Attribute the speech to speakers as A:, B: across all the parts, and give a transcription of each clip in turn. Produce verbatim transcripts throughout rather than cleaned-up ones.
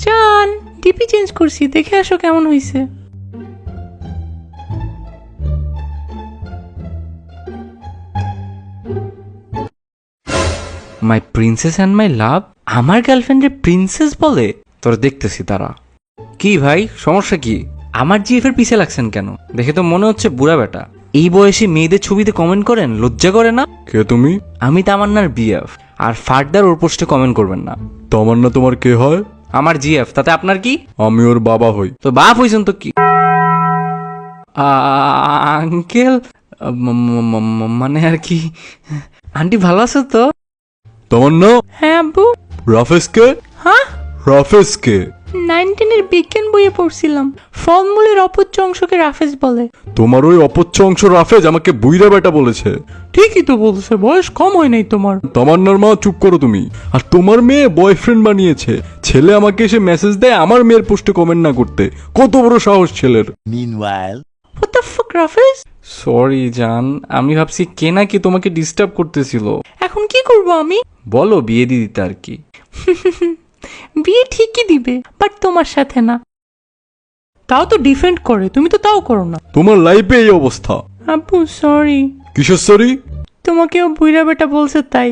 A: জান DP change করছি, দেখে আসো কেমন হইছে।
B: মাই প্রিন্সেস অ্যান্ড মাই লাভ, আমার গার্লফ্রেন্ডের প্রিন্সেস বলে? তোরা দেখতেছি তারা। কি ভাই সমস্যা কি? আমার জিএফ এর পিছে লাগছেন কেন? দেখে তো মনে হচ্ছে বুড়া বেটা। এই বয়সে মেয়েদের ছবিতে কমেন্ট করেন, লজ্জা করে না?
C: কে তুমি?
B: আমি তামান্নার বিএফ, আর ফার্দার ওর পোস্টে কমেন্ট করবেন না।
C: তামান্না তোমার কে হয়?
B: আমার জিএফ, তাতে আপনার কি?
C: আমি ওর বাবা হই।
B: তো বাপ হইছেন তো কি? আঙ্কেল মানে আর কি। আন্টি ভালো আছে তো?
C: তামান্না,
A: হ্যাঁ আব্বু।
C: রাফেজ কে?
A: হ্যাঁ,
C: রাফেজ কে?
A: নাইনটিনের বিজ্ঞান বইয়ে পড়ছিলাম, ফলমূলের অপচ্য অংশকে রাফেজ বলে।
C: তোমার ওই অপচ্ছ অংশ রাফেজ আমাকে বুইরা বেটা বলেছে।
A: ঠিকই তো বলছে, বয়স কম হয় নাই তোমার।
C: তামান্নার মা চুপ করো তুমি। আর তোমার মেয়ে বয়ফ্রেন্ড বানিয়েছে। ছেলে আমাকে এসে মেসেজ দেয় আমার মেয়ের পোস্টে কমেন্ট না করতে। কত বড় সাহস ছেলের।
D: Meanwhile,
A: What the fuck রাফেজ?
B: সরি জান, আমি ভাবছি কে নাকি তোমাকে ডিস্টার্ব করতেছিল।
A: এখন কি করব আমি?
B: বলো বিয়ে দিয়ে দিতে আর কি।
A: বিয়ে ঠিকই দিবে, বাট তোমার সাথে না। তাও তো ডিফেন্ড করে, তুমি তো তাও করো না।
C: তোমার লাইফে এই অবস্থা।
A: আব্বু সরি।
C: কিসের সরি?
A: তোমাকেও বুইরা বেটা বলছে তাই।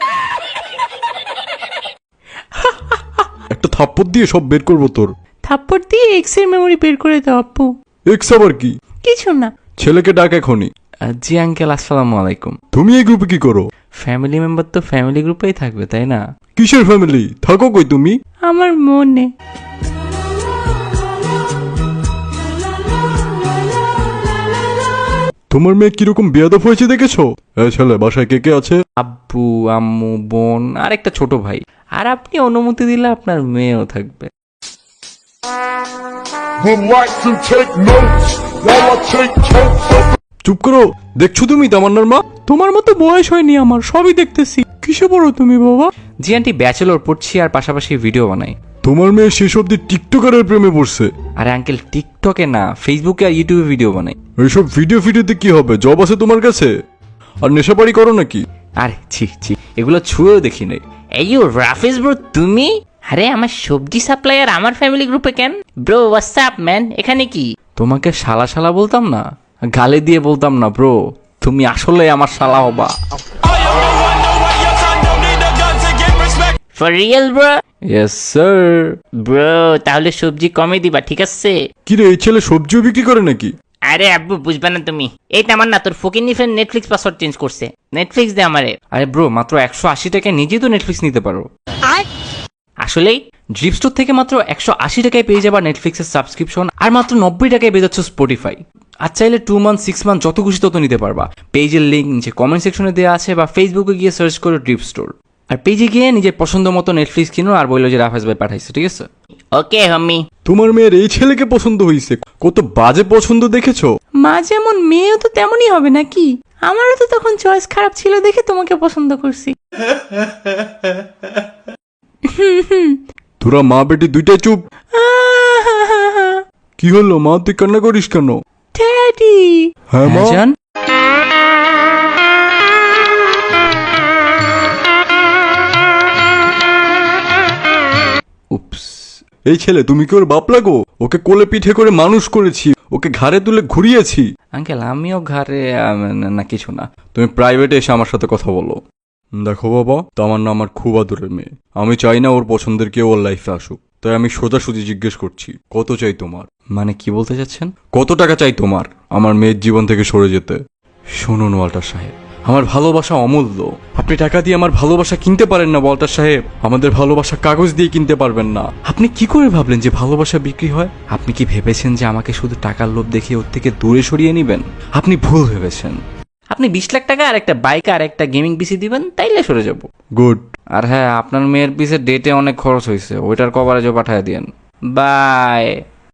C: একটা থাপ্পড় দিয়ে সব বের করবো তোর।
A: থাপ্পড় দিয়ে এক্স এর মেমোরি বের করে দাও আব্বু।
C: এক্স আবার কি?
A: কিছু না।
C: ছেলেকে ডাক এখনই।
B: জি আঙ্কেল, আসসালামু আলাইকুম।
C: তুমি এই গ্রুপে কি করো?
B: ফ্যামিলি মেম্বার তো ফ্যামিলি গ্রুপেই থাকবে, তাই না?
C: কিসের ফ্যামিলি? থাকো কই তুমি?
A: আমার মনে।
C: তোমার মেয়ে কিরকম বেয়াদব হয়েছে দেখেছো? এই ছেলে বাসায় কে কে আছে?
B: আব্বু, আম্মু, বোন আর একটা ছোট ভাই। আর আপনি অনুমতি দিলে আপনার মেয়েও থাকবে।
E: Would like to take notes while I take totes of
C: চুপ করো। দেখছো তুমি তামান্নার মা?
A: তোমার মতো বয়স হয়নি আমার, সবই দেখতেছি। কিসে পড়ো তুমি বাবা?
B: জি আন্টি, ব্যাচেলর পড়ছি আর পাশাপাশি ভিডিও বানাই।
C: তোমার মেয়ে শেষ অব্দি টিকটকারের প্রেমে পড়ছে।
B: আরে আঙ্কেল, টিকটকে না, ফেসবুকে আর ইউটিউবে ভিডিও বানাই।
C: এইসব ভিডিও ফিডিওতে কি হবে? জব আছে তোমার কাছে? আর নেশাপাড়ি করো নাকি?
B: আরে ছি ছি, এগুলো ছুঁয়েও দেখি নাই।
F: এই রাফেজ ব্রো, তুমি? আরে আমার সবজি সাপ্লায়ার আমার ফ্যামিলি গ্রুপে কেন? ব্রো হোয়াটসঅ্যাপ ম্যান, এখানে কি?
B: তোমাকে শালা শালা বলতাম না, গালে দিয়ে বলতাম না ব্রো। তুমি আসলে আমার শালা হবা।
F: For real bro?
B: Yes sir.
F: Bro তাহলে সবজি কমে দিবা, ঠিক আছে?
C: কিরে এই ছেলে সবজিও বিক্রি করে নাকি?
F: আরে আব্বু বুঝবা না তুমি। এই তামান না, তোর ফকিনি ফ্রেন্ড নেটফ্লিক্স পাসওয়ার্ড চেঞ্জ করছে। নেটফ্লিক্স দে আমারে।
B: আরে ব্রো, মাত্র একশো আশি টাকায় নিজেই তো নেটফ্লিক্স নিতে পারো।
F: আসলেই?
B: ড্রিপ স্টোর থেকে মাত্র একশো আশি টাকায় পেয়ে যাবা নেটফ্লিক্সের সাবস্ক্রিপশন, আর মাত্র নব্বই টাকায় পেয়ে যাচ্ছ স্পটিফাই। আর চাইলে টু মান্থ সিক্স মান্থ যত খুশি তত নিতে পারবা। পেজের লিঙ্ক নিচে কমেন্ট সেকশনে দেওয়া আছে, বা ফেসবুকে গিয়ে সার্চ করো ড্রিপ স্টোর। আর পেজে গিয়ে নিজের পছন্দ মতো নেটফ্লিক্স কিনো আর বললো যে রাফেজ ভাই পাঠাইছে, ঠিক আছে?
F: ওকে হাম্মি।
C: তোমার মেয়ের এই ছেলেকে পছন্দ হয়েছে। কত বাজে পছন্দ দেখেছো?
A: মা যেমন মেয়েও তো তেমনই হবে নাকি? আমারও তো তখন চয়েস খারাপ ছিল দেখে তোমাকে পছন্দ করছি।
C: তোরা মা বেটি দুইটাই চুপ। কি হলো মা, তুই কান্না করিস কেন?
A: ড্যাডি।
C: হ্যাঁ মা।
B: জান, উপস।
C: এই ছেলে তুমি কি ওর বাপ লাগো? ওকে কোলে পিঠে করে মানুষ করেছি, ওকে ঘাড়ে তুলে ঘুরিয়েছি।
B: আঙ্কেল আমিও ঘরে আম, না কিছু না।
C: তুমি প্রাইভেটে এসে আমার সাথে কথা বলো। দেখো বাবা, তামান্না আমার খুব আদরের মেয়ে। আমি চাই না ওর পছন্দের কেউ ওর লাইফে আসুক। তাই আমি সোজাসুজি জিজ্ঞেস করছি, কত চাই তোমার?
B: মানে কি বলতে চাচ্ছেন?
C: কত টাকা চাই তোমার আমার মেয়ের জীবন থেকে সরে যেতে?
B: শুনুন ওয়াল্টার সাহেব, আমার ভালোবাসা অমূল্য। আপনি টাকা দিয়ে আমার ভালোবাসা কিনতে পারেন না ওয়াল্টার সাহেব। আমাদের ভালোবাসা কাগজ দিয়ে কিনতে পারবেন না। আপনি কি করে ভাবলেন যে ভালোবাসা বিক্রি হয়? আপনি কি ভেবেছেন যে আমাকে শুধু টাকার লোভ দেখিয়ে ওর থেকে দূরে সরিয়ে নেবেন? আপনি ভুল ভেবেছেন। আপনি বিশ লাখ টাকা আর একটা বাইক আর একটা গেমিং পিসি দিবেন, তাইলে সরে যাব।
C: গুড।
B: আর হ্যাঁ, আপনার মেয়ের পিসে ডেটে অনেক খরচ হয়েছে, ওইটার কভারেজও পাঠিয়ে দিয়েন। বাই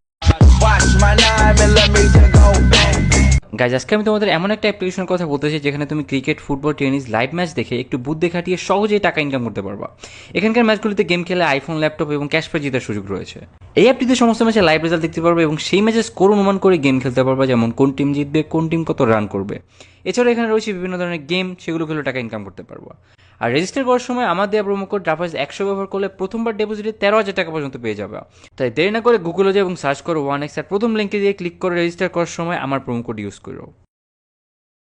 B: গাইজ, আজকে আমি তোমাদের এমন একটা অ্যাপ্লিকেশনের কথা বলতে চাই যেখানে তুমি cricket, football, tennis live match দেখে একটু বুদ্ধি খাটিয়ে সহজেই টাকা ইনকাম করতে পারবা। এখানকার ম্যাচগুলিতে গেম খেলে আইফোন, ল্যাপটপ এবং ক্যাশ প্রাইজ জেতার সুযোগ রয়েছে। এই অ্যাপটিতে সমস্ত ম্যাচে লাইভ রেজাল্ট দেখতে পারবে এবং সেই ম্যাচের স্কোর অনুমান করে গেম খেলতে পারবা, যেমন কোন টিম জিতবে, কোন টিম কত রান করবে। এছাড়া এখানে রয়েছে বিভিন্ন ধরনের গেম, সেগুলো খেলে টাকা ইনকাম করতে পারবা।
D: আর রেজিস্টার করার সময় আমার দেওয়া প্রোমো কোড ড্রাফার্স একশো ব্যবহার করলে প্রথমবার ডিপোজিটে তেরো হাজার টাকা পর্যন্ত পেয়ে যাবে। তাই দেরি না করে গুগলে যাও এবং সার্চ করো ওয়ান এক্স আর প্রথম লিঙ্কে দিয়ে ক্লিক করে রেজিস্টার করার সময় আমার প্রোমো কোড ইউজ করো।